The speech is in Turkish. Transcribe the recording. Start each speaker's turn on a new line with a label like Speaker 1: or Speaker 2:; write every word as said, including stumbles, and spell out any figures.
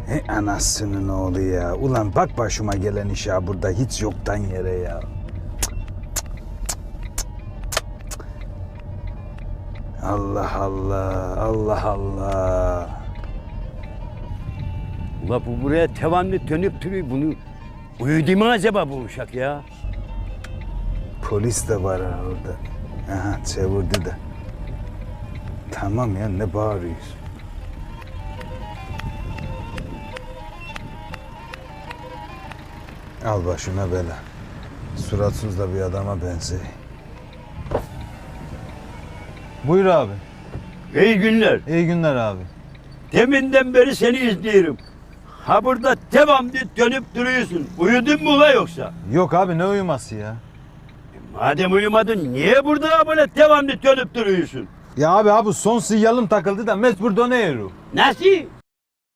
Speaker 1: He anasının oğlu ya. Ulan bak başıma gelen iş ya burada hiç yoktan yere ya. Allah Allah, Allah Allah.
Speaker 2: Ula bu buraya devamlı dönüp duruyor. Bunu uyudu mu acaba bu uşak ya?
Speaker 1: Polis de var ha orada. Aha çevirdi de. Tamam ya ne bağırıyorsun? Al başına bela. Suratsız da bir adama benziyor.
Speaker 3: Buyur abi.
Speaker 2: İyi günler.
Speaker 3: İyi günler abi.
Speaker 2: Deminden beri seni izliyorum. Ha burada devamlı dönüp duruyorsun. Uyudun mu ula yoksa?
Speaker 3: Yok abi ne uyuması ya?
Speaker 2: Madem uyumadın niye burada böyle devamlı dönüp duruyorsun?
Speaker 3: Ya abi abi son sinyalım takıldı da mecbur dönüyorum.
Speaker 2: Nasıl?